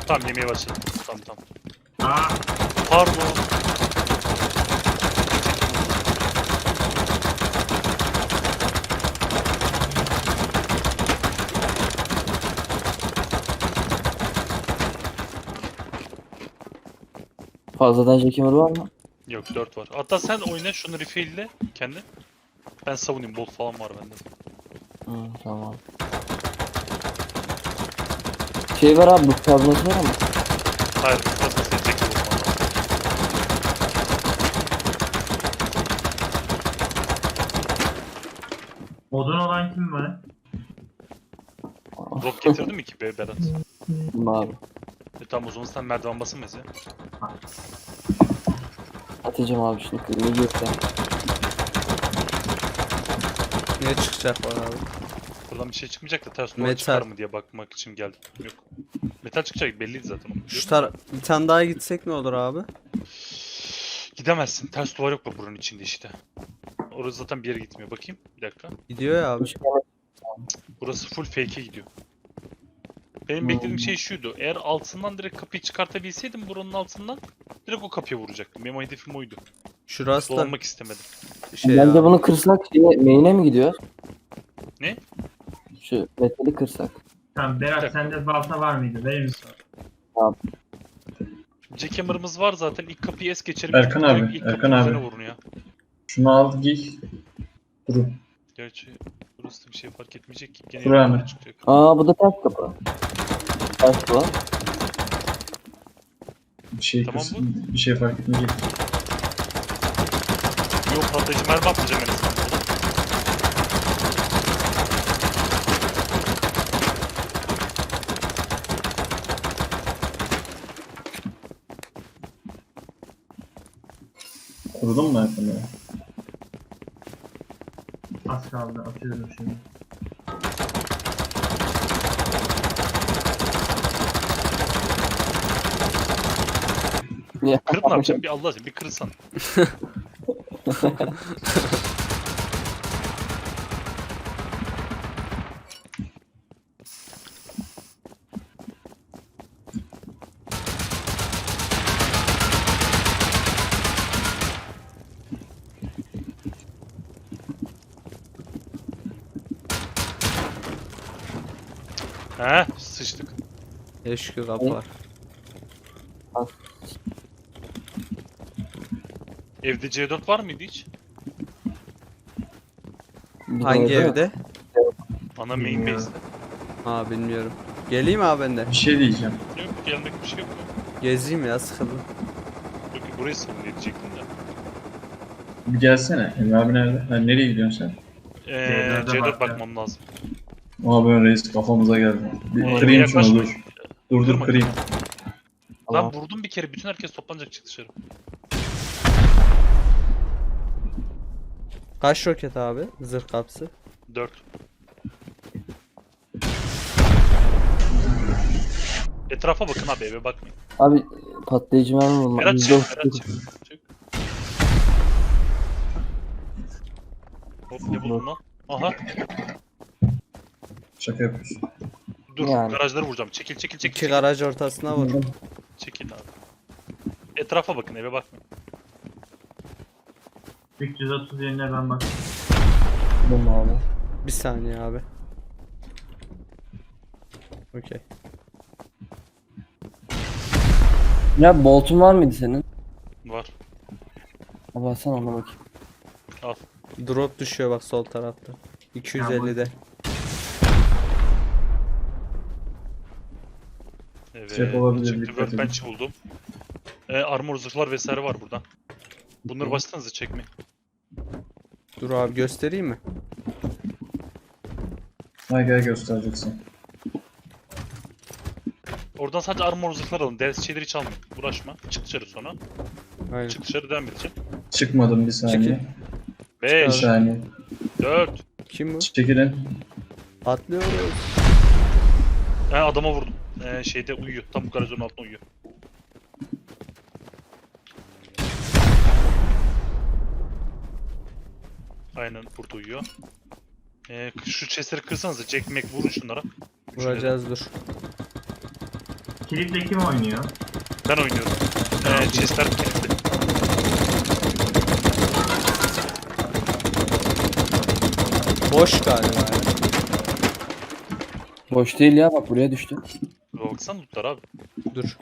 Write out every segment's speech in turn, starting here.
Tamam yemeğe başladım. Tamam. Aa, Pardon. Fazladan jackhammer var mı? Yok 4 var. Hatta sen oyna şunu refill'le kendi. Ben savunayım, bolt falan var bende. Tamam. Şey var abi, bu tablası var ama. Hayır, nasıl seçecek ki bu falan. odun olan kim var? Drop getirdin mi ki be Berat? Abi. Tamam o zaman sen merdiven basınmaz ya. Atacağım abi şunu kırmızı gökten. Ne çıkacak var abi? Buradan bir şey çıkmayacak da ters duvar Metal. çıkar mı diye bakmak için geldim. Yok. Metal çıkacak belliydi zaten onu. Şu bir tane daha gitsek ne olur abi? Gidemezsin. Ters duvar yok mu buranın içinde işte. Orası zaten bir yere gitmiyor. Bakayım. Bir dakika. Gidiyor ya abi. Burası full fake'e gidiyor. Benim beklediğim şey şuydu. Eğer altından direkt kapıyı çıkartabilseydim buranın altından direkt o kapıya vuracaktım. Benim hedefim oydu. Şurası da Dolanmak istemedim. şey Bence abi. bunu kırsak main'e mi gidiyor? Ne? Şu metali kırsak. Tamam Berat sende balta var mıydı? Verir misin? Jackhammer'ımız var zaten. İlk kapıyı es geçerim. Erkan Direkt abi, ilk Erkan kapının abi. üzerine vurun ya. Şunu al giy. Duru. Gerçi burası da bir şey fark etmeyecek ki. Gene Dur hemen. yukarı çıkacak. Aa bu da ters kapı. Ters var. Bir şey Tamam kırsın, bir şey fark etmeyecek. Yok patlayıcı mermi atlayacağım en azından burada. Kurudun mu Erkan abi? Az kaldı atıyorum şimdi. Kırıp ne yapacağım? Bir Allah aşkına bir kırırsan. He, sıçtık. Eşkı kapı var. Evde C4 var mıydı hiç? Bir Hangi de- evde? Ana main Bilmiyorum. base'de. Ha bilmiyorum. Geleyim abi ben de. Bir şey diyeceğim. Yok gelmek bir şey yok. Gezeyim ya sıkıldım. Yok burayı savun diyecektim de. Bir gelsene. Emre abi nerede? Ha, nereye gidiyorsun sen? C4'e C4 bak ya. bakmam lazım. Aa ben reis kafamıza geldi. Bir Ee, kırayım şunu yaklaşma. dur. Dur Kırma. kırayım. Tamam. Ben vurdum bir kere, bütün herkes toplanacak çık dışarı. Kaç roket abi? Zırh kapısı. 4. Etrafa bakın abi, eve bakmayın. Abi patlayıcı mermi bulma. Berat Yüzde çık, Berat çık. Çık. Hop ne buldun lan? Aha Şaka yapıyorsun. dur, Yani. garajları vuracağım. Çekil. İki garaj ortasına vur. Çekil abi. Etrafa bakın, eve bakmayın. 330 yerine ben bak. Bulma abi. Bir saniye abi. Okey. Ya boltun var mıydı senin? Var. Abi alsana ona bakayım. Al. Drop düşüyor bak sol tarafta. 250'de. Evet. Cep olabilir, Çıktı, dikkat edin. workbench buldum. Armor zırhlar vesaire var burada. Bunları başlasanıza çekmeyin. Dur abi göstereyim mi? Ha gel göstereceksin. Oradan sadece armor zırhlar alın. Ders şeyleri hiç almayın. Uğraşma. Çık dışarı sonra. Aynen. Çık dışarı, devam edeceğim. Çıkmadım bir saniye. Bir 5, saniye. 4. Kim bu? Çekilin. Atlıyoruz. Adama vurdum. Şeyde uyuyor. Tam garajın altında uyuyor. Aynen burada uyuyor. Şu chestleri kırsanıza. Jack Mac vurun şunlara. Vuracağız dur. Kilitle kim oynuyor? Ben oynuyorum. Chestler kilitli. Boş galiba ya. Boş değil ya, bak buraya düştü. Baksana lootlar abi. Dur.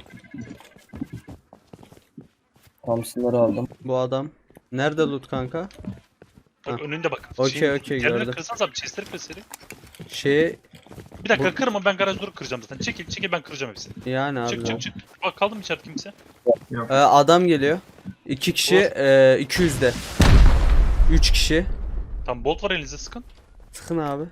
Thompson'ları aldım. Bu adam. Nerede loot kanka? Bak Ha. önünde bak. Okey, okey, Yerleri gördüm. kırsanız abi chestleri kır seri. Şey Bir dakika kırma, ben garaj durup kıracağım zaten. Çekil ben kıracağım hepsini. yani abi. Çık çık çık. Bak kaldı mı içeride kimse? Adam geliyor. 2 kişi 200'de. 3 kişi. Tam bolt var elinize, sıkın. Sıkın abi.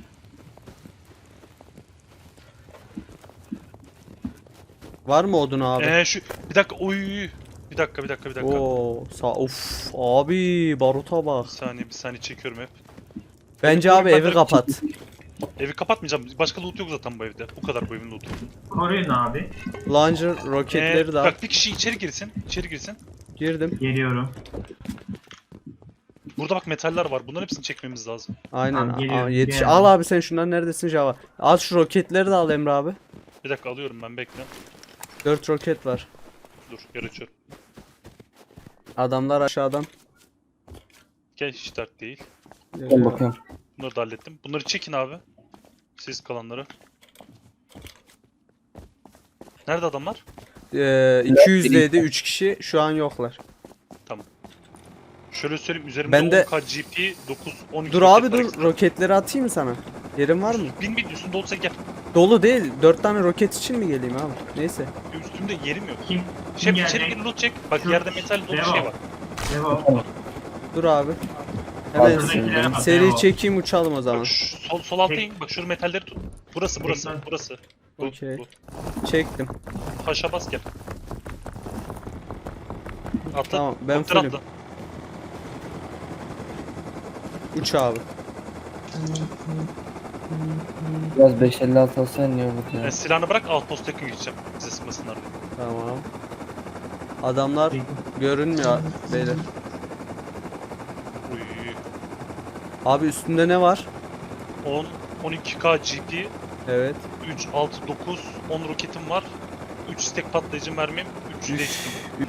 Var mı odun abi? Şu bir dakika oy. Bir dakika. Oo, of abi baruta bak. Bir saniye çekiyorum hep. Bence abi evi kapat. Evi kapatmayacağım. Başka loot yok zaten bu evde. Bu kadar bu evin lootu. Koruyun abi. Launcher roketleri de al. Bak bir kişi içeri girsin. Girdim. Geliyorum. Burada bak metaller var. Bunların hepsini çekmemiz lazım. Aynen. Tamam, geliyorum, Yetiş. geliyorum. Al abi sen şundan neredesin Java? Al şu roketleri de al Emre abi. Bir dakika alıyorum ben, bekle. 4 roket var. Dur yer açıyorum. Adamlar aşağıdan. Gel, hiç dert değil. Ben bakıyorum. Bunları da hallettim. Bunları çekin abi. Siz kalanları. Nerede adamlar? 200'deydi 3 kişi şu an yoklar. Şöyle söyleyeyim, üzerimde Ben de- 10k GP 9 12 Dur roket abi var dur ekstra. roketleri atayım mı sana? Yerin var mı? Bin üstünde olsa gel. Dolu değil. 4 tane roket için mi geleyim abi? Neyse. Üstümde yerim yok. Kim Şef geldi? içeri gir, loot çek. Bak Şu- yerde metal dolu Devam. şey var. Devam. Dur abi. Hemen Şuradakilere bak, seri devam. çekeyim uçalım o zaman. Bak sol alta in. Bak şu metalleri tut. Burası. Bu. Okey. Bu. Çektim. Taşa bas gel. Atla. Tamam, ben Kopter fullüm. atla. Uç abi. Biraz 556 alsan iyi olur ya. Silahını bırak, outpost yakın geçeceğim. Bize sıkmasınlar diye. Tamam. Adamlar görünmüyor beyler. Uy. Abi üstünde ne var? 12k GP, Evet. 3, 6, 9, 10 roketim var. 3 stack patlayıcı mermim, 3 Üf. değiştim.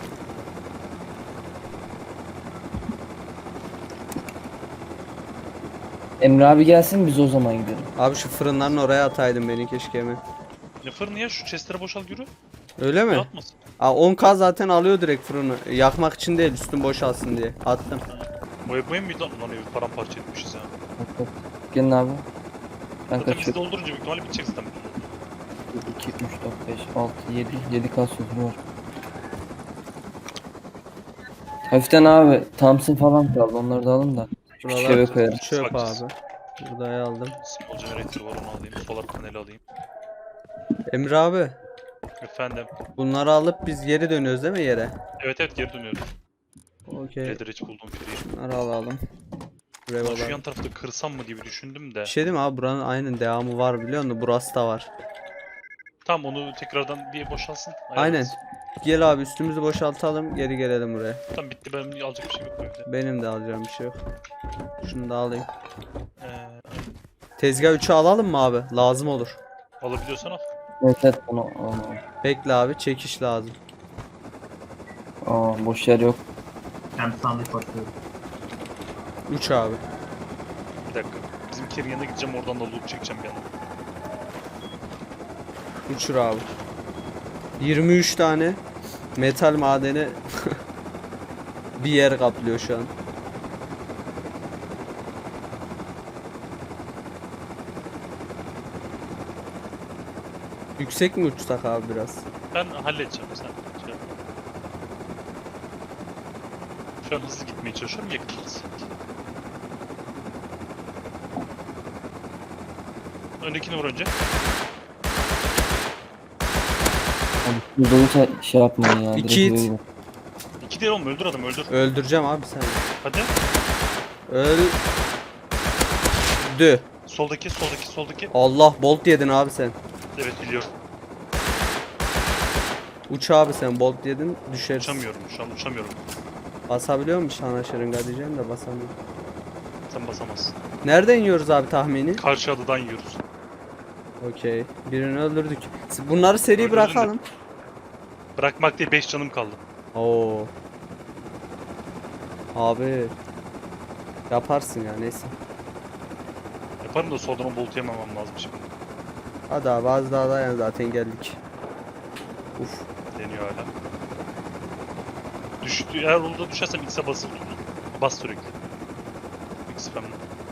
Emre abi gelsin, biz o zaman gidelim. Abi şu fırınların oraya ataydın beni keşke hemen. Ne fırını ya, şu chestleri boşal yürü. Öyle mi? Ne atmasın? 10k zaten alıyor direkt fırını. Yakmak için değil üstün boşalsın diye. Attım. Bu ev miydi lan? Lan evi paramparça etmişiz ya. Bak bak. Gelin abi. Ben Zaten bizi kaçıyorum. doldurunca büyük ihtimalle bitecek zaten. 2, 3, 4, 5, 6, 7. 7 kas sözüm var. Hafiften abi Thompson falan kaldı, onları da alın da. Küçük eve Buralar koyarım. çöp abi. Buraya aldım. Small generator var, onu alayım. Solar paneli alayım. Emre abi. Efendim. Bunları alıp biz geri dönüyoruz değil mi yere? Evet geri dönüyoruz. Okey. Leather buldum free. Bunları alalım. Buraya Lan şu alalım. yan tarafta kırsam mı gibi düşündüm de. Bir şey değil mi abi buranın aynen devamı var biliyor musun? Burası da var. Tamam, onu tekrardan bir boşalsın. Aynen. ayarlarız. Gel abi üstümüzü boşaltalım geri gelelim buraya. Tamam bitti, benim alacak bir şey yok bu evde. Benim de alacağım bir şey yok. Şunu da alayım. Ee, Tezgah 3'ü alalım mı abi? Lazım olur. alabiliyorsan al. Evet onu. Bekle abi çekiş lazım. Boş yer yok. Hem sandık bakıyorum. 3 abi. Bir dakika. Bizimkilerin yanına gideceğim, oradan da loot çekeceğim bir yandan. Uçur abi. 23 tane metal madeni bir yer kaplıyor şu an. Yüksek mi uçsak abi biraz? Ben halledeceğim, sen şey yap. Şu an hızlı gitmeye çalışıyorum, yakınız. Öndekini vur önce. Abi dolu şey yapmayın ya. direkt İki eve it. gidin. 2 değil oğlum, öldür adamı, öldür. Öldüreceğim abi sen. Hadi. Öldü. Soldaki. Allah bolt yedin abi sen. Evet biliyorum. Uç abi sen bolt yedin düşersin. Uçamıyorum, şu an uçamıyorum. Basabiliyor musun sana şırınga diyeceğim de basamıyorum. Sen basamazsın. Nereden yiyoruz abi tahmini? Karşı adadan yiyoruz. Okey. Birini öldürdük. Bunları seri Öldürdün de. bırakalım. Bırakmak değil 5 canım kaldı. Oo. Abi. Yaparsın ya neyse. Yaparım da soldan bolt yememem lazım şimdi. Hadi abi az daha dayan zaten geldik. Uf. Deniyor hala. Düştü. Eğer orada düşersem X'e basılı tutun. Bas sürekli. X spam'la.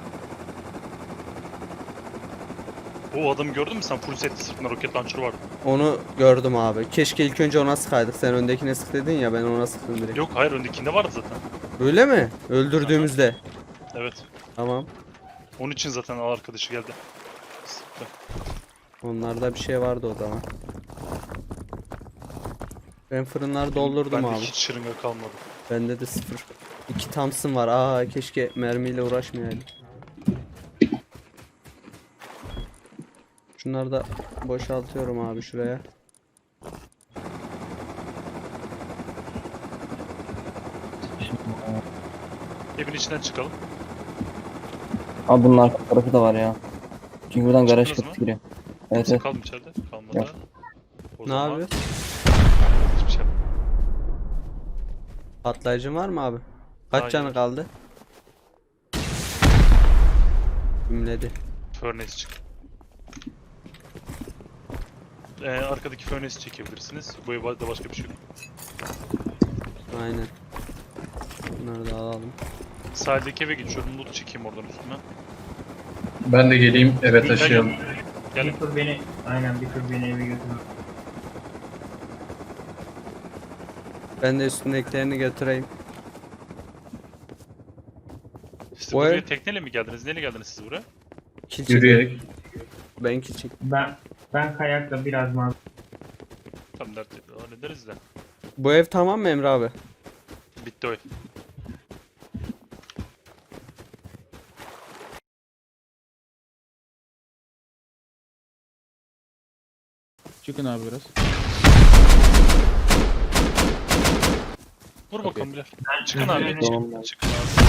O adamı gördün mü sen? Full setli sırtında roket launcher vardı. Onu gördüm abi. Keşke ilk önce ona sıkaydık. Sen öndekine sık dedin ya ben ona sıktım direkt. Yok hayır öndekinde vardı zaten. Öyle mi? Öldürdüğümüzde. Evet. Tamam. Onun için zaten arkadaşı geldi. Sıktı. Onlarda bir şey vardı o zaman. Ben fırınları doldurdum Bende abi. hiç şırınga kalmadı. Bende de 0. 2 Thompson var. Aa keşke mermiyle uğraşmayaydım. Şunları da boşaltıyorum abi şuraya. Evin içinden çıkalım. Abi bunun arka tarafı da var ya. Çünkü buradan garaj Çıktınız kapısı mı? giriyor. Evet Kimse evet. kaldı mı içeride? Kalmadı. Yok. O Ne zaman yapıyor? hiçbir şey yapmadım. Patlayıcın var mı abi? Kaç Hayır. canı kaldı? Gümledi. Furnace çık. Arkadaki furnace'i çekebilirsiniz. Bu evde başka bir şey yok. Aynen. Bunları da alalım. Sahildeki eve geçiyorum. Loot çekeyim oradan üstüne. Ben de geleyim eve taşıyalım. Gel. Bir tur beni, aynen bir tur beni eve götürür. Ben de üstündekilerini götüreyim. Siz Bu buraya ev- tekneyle mi geldiniz? Neyle geldiniz siz buraya? Kill çekelim. Yürüyerek. Ben kill çek. Ben kayakla biraz mal. Tam dert hallederiz de. Bu ev tamam mı Emre abi? Bitti o ev. Çıkın abi biraz. Vur bakalım Bilal. Çıkın abi. Tamam. Çıkın abi.